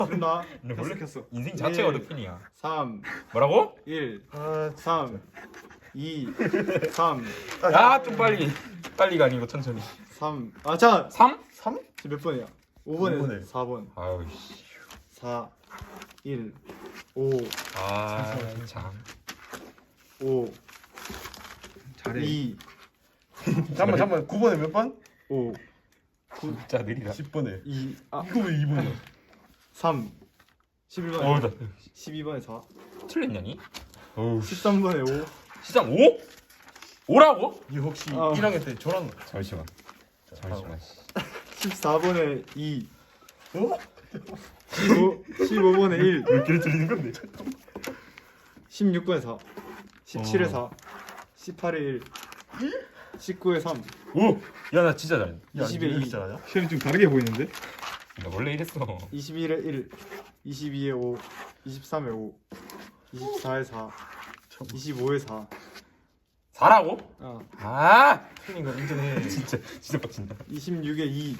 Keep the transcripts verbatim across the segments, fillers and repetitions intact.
끝나. 근데 원래 켰어. 인생 자체가 일, 루틴이야. 삼, 뭐라고? 일, 아, 삼, 이, 삼, 야, 좀 빨리. 빨리가 아니고 천천히. 삼. 아, 자, 삼? 삼? 지금 몇 번이야? 오 번에 오 번에. 사 번. 아유 씨. 사, 일, 오, 아, 참. 오, 잘해. 이, 잠깐만 잠깐만 구 번에 몇 번? 오, 진짜 느리다. 십 번에 이, 아, 이거 왜 이 번이야? 삼, 십일 번에 어우, 나 십이 번에 사, 틀렸냐니? 어우, 십삼 번에 오, 시장 오? 오라고? 이 혹시 어. 일 학년 때 저랑 잠시만. 잠시만. 십사 번에 이, 어? 십오, 십오 번에 일, 몇 개를 틀리는 건데? 십육 번에 사, 십칠에 사, 어. 십팔에 일, 십구에 삼, 오! 야, 나 진짜 잘해. 야, 이십에 이거 이. 잘하냐? 시험이 좀 다르게 보이는데? 나 원래 이랬어. 이십일에 일, 이십이에 오, 이십삼에 오, 이십사에 사, 이십오에 사. 사라고? 아, 아! 틀린 거 인정해. 진짜 진짜 빡친다. 이십육에 이,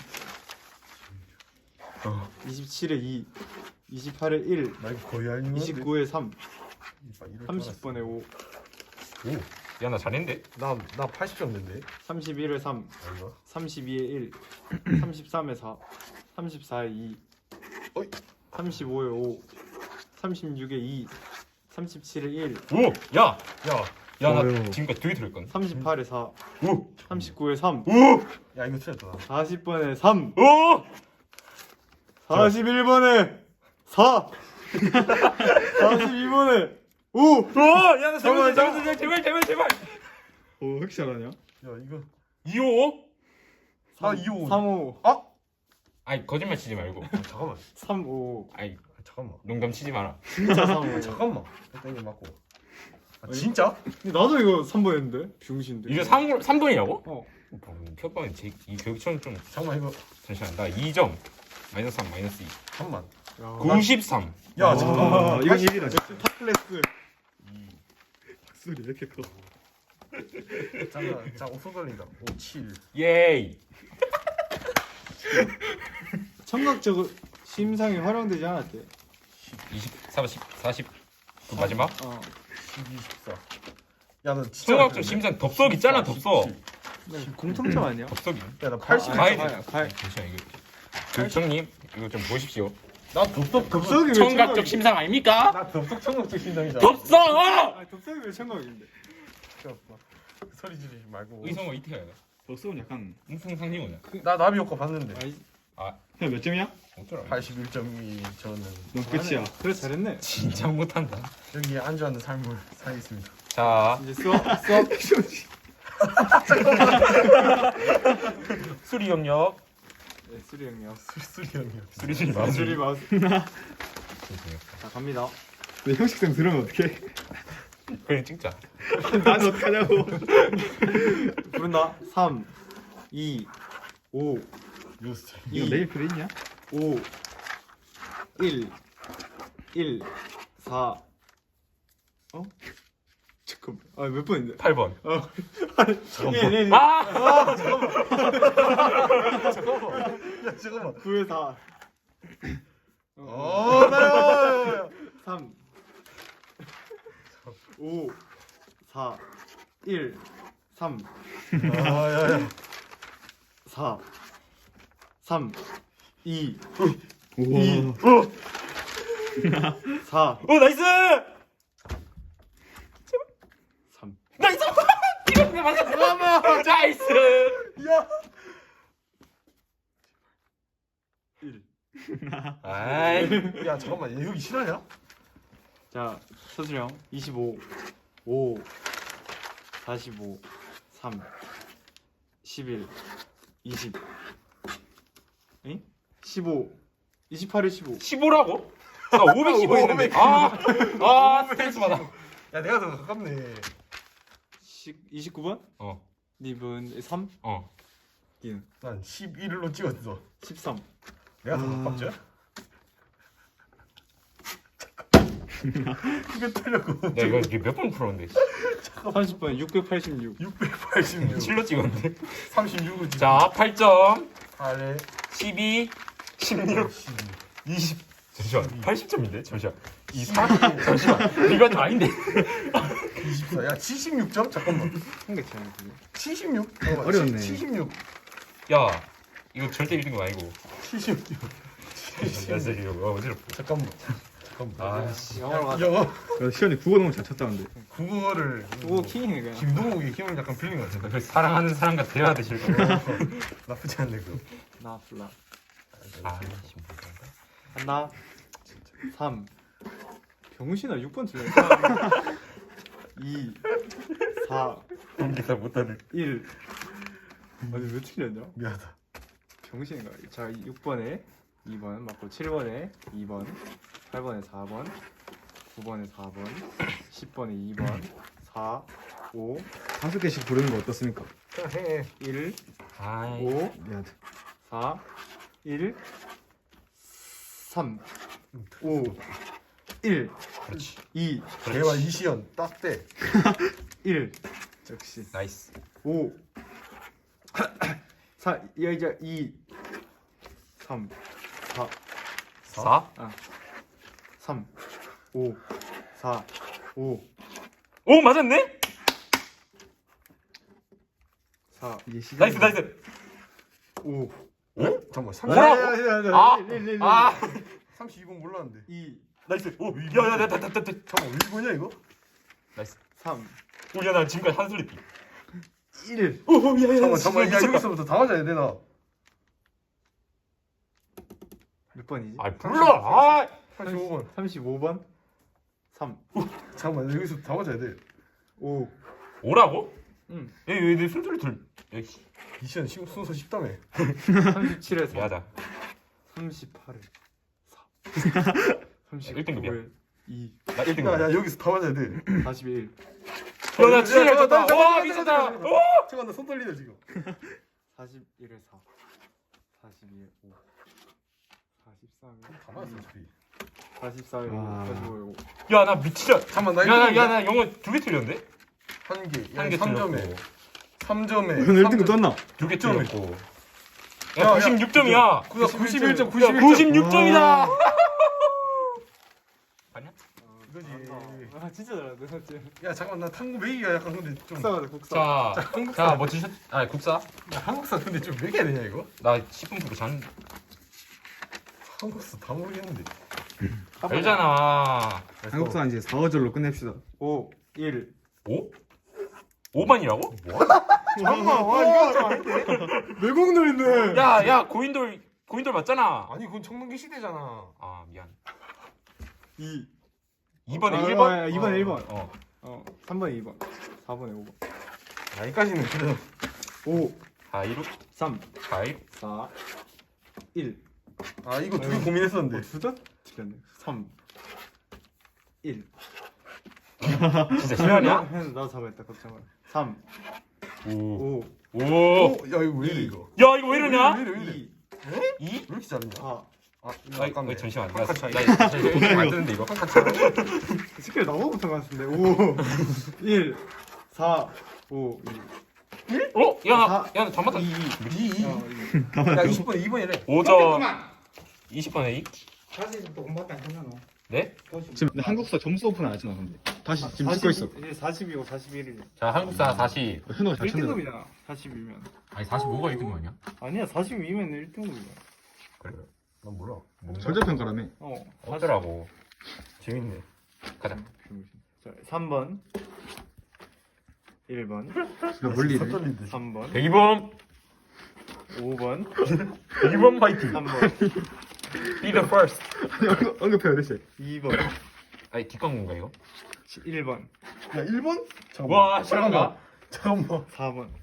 어. 이십칠에 이, 이십팔에 일, 나 이거 거의 아닌 건데. 이십구에 삼, 이봐, 이럴 줄 삼십 번에 오, 오. 야, 나 잘했는데? 알았어. 나, 나 팔십 점 냈는데. 삼십일에 삼, 아이가. 삼십이에 일, 삼십삼에 사, 삼십사에 이, 어이. 삼십오에 오, 삼십육에 이, 삼십칠에 일, 오! 야! 야, 야, 나 어휴. 지금까지 되게 들었거든. 삼십팔에 사, 오! 삼십구에 삼, 오! 야 이거 틀렸다. 사십 번에 삼, 오! 사십일 번에 사, 사십이 번에 오. 오! 야, 나 잠깐만, 잘못했어. 제발, 제발, 제발. 어, 왜 이렇게 잘하냐? 야 이거 이오? 사 이 오. 삼, 오, 아? 아이, 거짓말 치지 말고. 아, 잠깐만. 삼, 오, 아이, 아, 잠깐만. 농담 치지 마라. 진짜 삼, 오. 잠깐만. 일단 이거 맞고. 아, 진짜? 근데 나도 이거 삼 번 했는데 병신데. 이거 삼, 삼 번이라고? 어. 표방은 제, 이 교육청 좀 잠깐만 이거 잠시만. 나 이 점. 마이너스 삼, 마이너스 이. 잠깐만. 야, 구십삼. 야 아, 잠깐만. 이건 일이다. 탑 클래스. 박수리 왜 이렇게 커? 잠깐, 자 오픈 걸린다. 오, 칠. 예이. 청각적 심상이 활용되지 않았대. 이십, 삼십, 사십. 그 마지막? 어. 십이, 십사. 야, 너 진짜. 청각적 심상 덥석 있잖아, 덥석. 네, 공통점 아니야? 덥석이. 야, 나 팔십. 아, 가야 아, 돼. 아, 가야- 잠시만 이거. 교육청님 이거 좀 보십시오. 나 덥석 덥석이 왜 청각적 청각이- 심상 아닙니까? 나 덥석 청각적 심장이잖아. 덥석! 아, 덥석이 왜 청각인데? 소리 지르지 말고. 의성어 이태야. 덕수는 약간 음성상징어냐? 나 나비 효과 봤는데. 아이, 그냥 몇 점이야? 어쩌라. 팔십일 점이 저는 넌 끝이야. 그래 잘했네. 진짜 못한다. 여기 안주하는 삶을 살겠습니다. 자, 이제 수업 수업 수리 영역. 네, 수리 형이요. 수리 형이요. 수리 수리 아, 수리 마우스. 죄송해요. 자 갑니다. 내 형식상 들으면 어떡해? 그냥 찍자. 난 어떡하냐고. 부른다. 삼, 이, 오, 요스트. 이거 이, 내일 필요 있냐? 오, 일, 일, 사. 어? 잠깐만. 아, 몇 번인데? 팔 번. 어. 일, 일, 일. 아! 야 잠깐만. 구에 사. 어, 나요. 삼, 오, 사, 일, 삼, 아야야. 사, 삼, 이, 우와. 사, 오, 나이스! 삼. 나이스! 이거 맞았어! 나이스! 야. 일. 아이. 야 잠깐만. 얘 여기 실화냐? 자, 서준형 이십오, 오, 사십오, 삼, 십일, 이십, 응? 십오, 이십팔에 십오. 십오라고? 나 오백십오 했는데. 아, 아, 스트레스 받아. 야 내가 더 가깝네. 이십구 번? 어, 니분 삼? 어. 니는 난 십일로 찍었어. 십삼. 내가 더 아. 가깝죠? 이거 틀렸고. 야, 이거 이게 몇 번 풀었는데? 삼십 번 육백팔십육. 육백팔십육. 칠로 찍었는데? 삼십육을 찍. 자, 팔 점, 팔에 십이, 십육, 십이. 이십, 잠시만 팔십 점인데? 잠시만 이 사 잠시만 이건 좀 아닌데 이십사. 야 칠십육 점? 잠깐만. 한개 차이 그게. 칠십육? 어려웠네. 칠십육. 야 이거 절대 일 등급 아니고 칠십육. 나 진짜 이거 어, 어지럽다 잠깐만. 잠깐만. 아씨 영어로 가자. 영어. 야, 시현이 국어 너무 잘 쳤다는데. 국어를 그거 킹이네 그냥. 김동욱의 힘을 약간 빌린 것 같은데. 사랑하는 사람과 대화하듯이 실 거. 나쁘지 않네 그거. 나 불러. 아씨 한다. 삼. 병신아 육 번 틀려. 이. 사. 공기사 못하는 일. 아니 왜 틀렸냐? 미안하다. 병신인가? 자 육 번에 이 번 맞고 칠 번에 이 번 팔 번에 사 번 구 번에 사 번 십 번에 이 번 사 오 다섯 개씩 부르는 거 어떻습니까? 그냥 해. 일 아이 오 미안. 사 일 삼 오 일 그렇지 이 대화 이시연 딱 돼. 일 역시 나이스 오 사 야 이제 이 삼 사 사? 삼 오 사 오 오 맞았네? 사 이게 시작. 나이스 나이스 오 어? 잠깐만. 삼십. 뭐라고? 아, 아 삼십이 번 몰랐는데. 이 나이스 오야야야야야야 잠깐만 일 번이야 이거? 나이스 삼 오야 나 지금까지 한 소리 일 오야야야 잠깐만 잠깐만. 야 여기서부터 다 맞아야 돼 나. 몇 번이지? 아 불러 아 삼십오 번. 삼십오 번 삼 잠깐만 여기서 다 맞아야 돼. 오 오라고? 응 얘얘내 순서를 들 야씨 이시연 심- 순서 쉽다며. 삼십칠에 사 미안하다 삼십팔에 사 일 등급이야. 삼십구에 이 나 일 등급 야야 여기서 다 맞아야 돼. 사십일 야나 진짜 야, 졌다 잠깐만, 와 잠깐만, 미쳤다 잠깐만. 오 잠깐 나 손 떨리네 지금. 사십일에 사 사십이에 오 사십삼에 다 맞았어 어차피. 사십사에 오 와. 사십오에 오 야 나 미치자 잠깐만 나 야나 일 등급이야? 야나 영어 두 개 틀렸는데? 한 개. 한 개 삼 점에. 틀렸고 삼 점에. 오늘 일 등급 떴나? 두 개 점. 틀렸고 야, 야 야, 구십육 점이야 구십일 점. 야 구십일 점. 구십육 점이다 봤냐? 이거지. 아 진짜 잘한다 진짜 야 잠깐 나 탐구 매기가 약간 근데 좀. 국사가다 국사 자자뭐 드셨 아 국사? 야, 한국사 근데 좀 매겨야 되냐 이거? 나 십 분 부로 잔 한국사 다 모르겠는데. 알잖아 한국사 이제 사 어절로 끝냅시다. 오 일 오? 오 번이라고? 잠깐만 와 이거 좀 아닌데 외국노 있네 야야 고인돌 고인돌 맞잖아 아니 그건 청동기 시대잖아. 아 미안 이 이 번에 아, 일 번? 아, 이 번에 일 번. 어 어 삼 번에 이 번 사 번에 오 번 여기까지는 그래도. 오 가이로 삼 가이로 사 일 아 이거 되게 고민했었는데. 두자 틀렸네 삼 일 진짜 실화냐? 나도 잡아했다 걱정 마 삼 오 오 오. 어? 야 이거 왜 이래 이거? 야 이거 왜 이러냐? 왜 이래 왜 이래? 이 이? 왜 이렇게 잘했냐? 사 아 아, 아깝네. 어, 잠시만. 나, 한칸 나, 차이. 나, 잠시만. 안 뜨는데 이거. 스킬 나보고 붙은 것 같은데 오 일 사 오 어? 야, 나, 사, 야, 나 잠깐만. 이 이 이. 어, 야 이십 번에 이 번이래. 오 점. 이십 번에 이? 사실 또 공부밖에 안 했나 너? 네? 지금 한국사 점수 오픈 안 하잖아 근데. 다시 지금 찍고 있어. 이제 사십이고 사십일이네 자, 한국사 사십. 현우가 잘 일 쳤네. 등급이잖아 사십이면 아니, 사십오가 일 등급 아니야? 아니야 사십이면 일 등급이야 그래. 난 몰라. 절대평가라며. 어 어쩌라고. 재밌네. 가자. 자, 삼 번 일 번 나 멀리 서 이래. 떨린데. 삼 번 백 이 번. 오 번 백 이 번 파이팅. 삼 번 Be the first. 언급- 언급해야 돼. 쟤. 이 번 아니, 뒷광고인가 이거? 일 번 야 일 번? 잠깐만. 와, 실화인가? 잠깐만. 사 번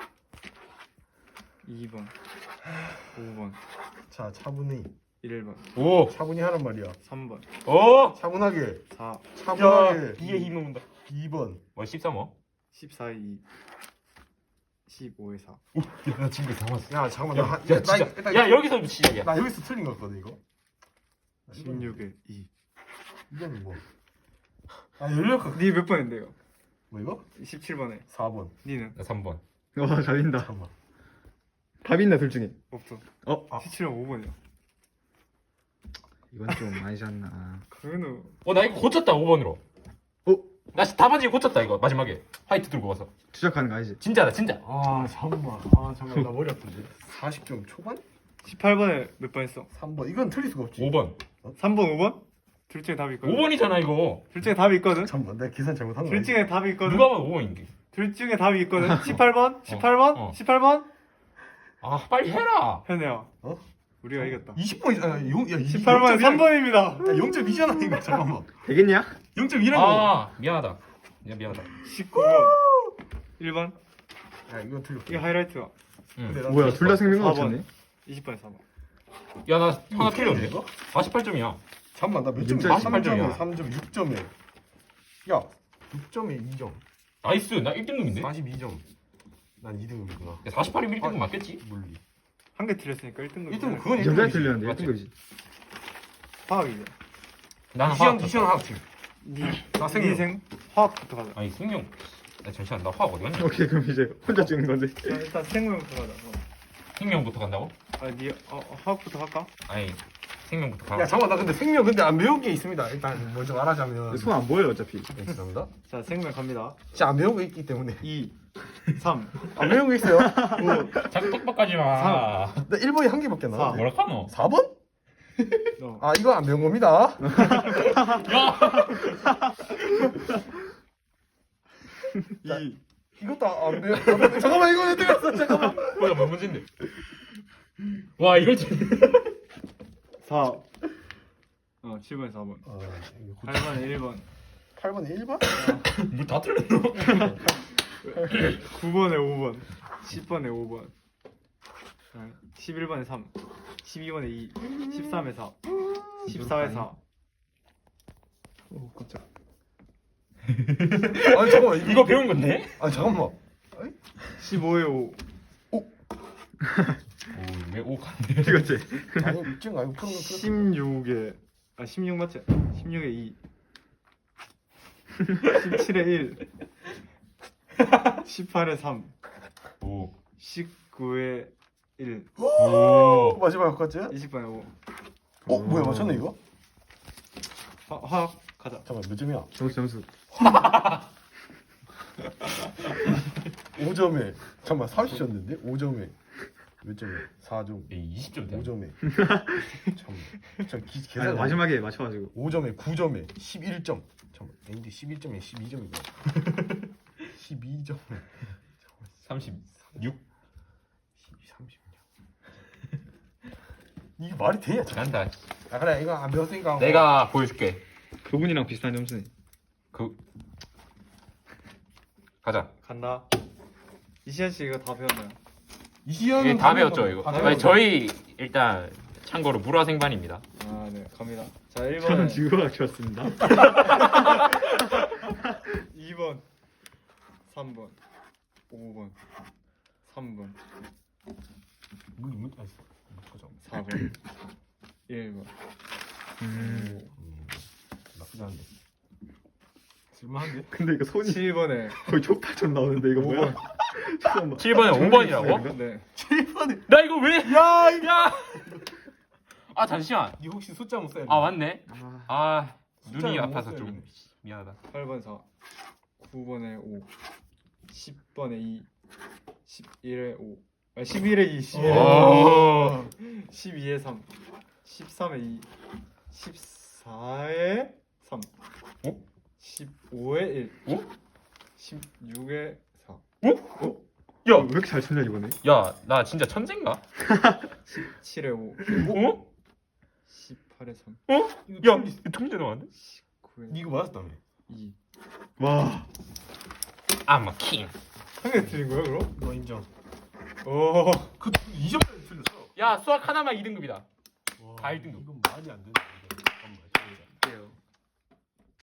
이 번 오 번 자 차분히. 일 번 오. 차분히 하란 말이야. 삼 번 오. 차분하게. 사 야, 차분하게. 이에 힘을 온다. 이 번. 뭐, 십삼 호? 십사에 이 십오에 사 야, 나 지금 다 맞았어. 야 잠깐만. 야, 나, 야, 한- 야, 나 진짜. 일단 야, 여기서 시작이야. 나 여기서 틀린 거 같거든 이거. 십육에 이 이건 뭐? 아 열려. 니 몇 번인데요? 뭐 이거? 십칠 번에 사 번. 니는? 나 삼 번. 와 잘린다. 잠깐만. 답이 있나 둘 중에. 없어 어? 아. 십칠 번 오 번이야 이건 좀 아니지 않나. 그거는 어, 나 이거 고쳤다 오 번으로. 어? 나 답안지 고쳤다 이거 마지막에 화이트 들고 와서. 투작하는 거 아니지? 진짜다 진짜. 아 잠깐만. 아 잠깐만 나 머리 아픈데. 사십 점 초반? 십팔 번에 몇 번 했어? 삼 번. 이건 틀릴 수가 없지. 오 번. 삼 번, 오 번? 둘 중에 답이 있거든. 오 번이잖아 이거. 둘 중에 답이 있거든. 잠깐만 내가 계산 잘못한 거 둘 아니지? 중에 답이 있거든. 누가 봐도 오 번인데. 둘 중에 답이 있거든. 십팔 번, 십팔 번, 어. 십팔 번. 아 빨리 해라. 현우야. 어? 우리가 이겼다. 이십 번이잖아. 아, 용, 야, 십팔 번에 삼 번입니다. 야, 영 점 이잖아 이거. 잠깐만. 되겠냐? 영 점 이라고. 아 미안하다. 야 미안하다. 십구 번. 일 번. 야, 이건 틀렸어. 이게 하이라이트야. 응. 근데 나 뭐야 둘 다 생명력 사 번. 맞췄네. 이십 번에 사 번. 야 나 하나 틀렸네. 이거? 사십팔 점이야. 잠깐만 나 몇 점 점이야? 사십팔 점이야. 삼 점, 삼 점, 육 점에. 야, 육 점에 이 점. 나이스. 나 일 등급인데. 사십이 점. 난 이 등급이구나. 야, 사십팔이면 일 등급 아, 맞겠지? 물리. 한 개 틀렸으니까 일 등급. 일 등급 그건 일 전자에 등급이지. 틀렸는데 맞지? 예쁜 거지. 화학이죠. 나는 이시연, 화학. 이시연 하학팀. 니, 나 니 생 화학부터 가자. 아니 생명. 야 잠시만 나 화학 어디 갔냐? 오케이 그럼 이제 혼자 찍는 건데. 자, 일단 생명부터 가자. 어. 생명부터 간다고? 아, 니 어, 어, 화학부터 할까? 아니 생명부터 가. 야, 잠깐만 나 근데 생명 근데 안 배운 게 있습니다. 일단 먼저 말하자면. 손 안 보여요 어차피. 네, 죄송합니다. 자, 생명 갑니다. 진짜 안 배운 거 있기 때문에. 이, 삼, 안 배운 거 있어요. 오, 자꾸 똑똑하지 마. 나 일 번이 한 개밖에 안 사. 나왔네. 뭐라 카노? 사 번? 너. 아, 이거 안 배운 겁니다. 이, 이것도 안 배운. 잠깐만 이거 내 들었어. 잠깐만. 뭐야 뭐 문제인데? 와 이걸 진. 사. 어, 칠 번에 사 번. 아, 팔 번에 일 번. 팔 번에 일 번? 뭐다 틀렸노? 구 번에 오 번. 십 번에 오 번. 어, 십일 번에 삼. 십이 번에 이. 십삼에 사. 십사에 사. 오 깜짝. 아니 잠깐만 이거 이거 배운 건데? 아 잠깐만. 십오에 오. 오왜오 간대? 찍었지. 아니 육점 아니고 푸는 거 십육에 아 십육 맞지? 십육에 이. 십칠에 일. 십팔에 삼. 오. 십구에 일. 오. 마지막 같지? 이십 번에 오. 어 뭐야 맞췄네 이거? 화, 화학 가자. 잠깐 몇 점이야? 점수 점수. 오 점에 잠깐만 사십 점인데 오 점에 몇 점에 사 점 이십 점 돼. 오 점에 잠깐만 저 기, 아니, 계산 마지막에 맞춰가지고. 오 점에 구 점에 십일 점 잠깐만 근데 십일 점에 십이 점이고 십이 점에 삼십육. 십이, 삼십육 이게 말이 되냐? 간다. 아 그래 이거 안 배웠으니까 내가 보여줄게. 그분이랑 비슷한 점수네. 그 가자. 간다. 이시안 씨 이거 다 배웠나요? 이시연은 이게 다 배웠죠 이거. 다 아니, 배웠죠. 저희 일단 참고로 물화생반입니다. 아, 네. 갑니다. 자, 일 저는 번에 지구과학 좋았습니다. 이 번. 삼 번. 오 번. 삼 번. 뭐 이거 아 잠깐 사 번. 일 번. 음. 나쁘지 않은데 쓸만한데? 근데 이거 손이 칠 번에 거의 족발처럼 나오는데 이거 뭐야? 잠깐만. 칠 번에 오 번이라고? 네. 칠 번에 나 이거 왜? 야, 야. 아 잠시만. 니 혹시 숫자 못 써야 돼? 아 맞네. 아, 아 숫자를 눈이 못 아파서 써야 좀 되네. 미안하다. 팔 번 사. 구 번에 오. 십 번에 이. 십일에 오. 아, 십일에 이. 십일에 오. 십이에 삼. 십삼에 이. 십사에 삼. 어? 십오에 일. 어? 십육에 사. 왜 야, 이렇게 잘 쳤냐 이번에? 야, 나 진짜 천재인가? 십칠에 오. 어? 십팔에 삼. 어? 야, 이거 통제 나왔네? 십구에 니 이거 맞았다며 이. 와. I'm a king. 한 개 틀린 거야, 그럼? 너 인정 오. 그 이 점까지 틀렸어 야, 수학 하나만 이 등급이다. 와, 다 일 등급. 이건 말이 안 되네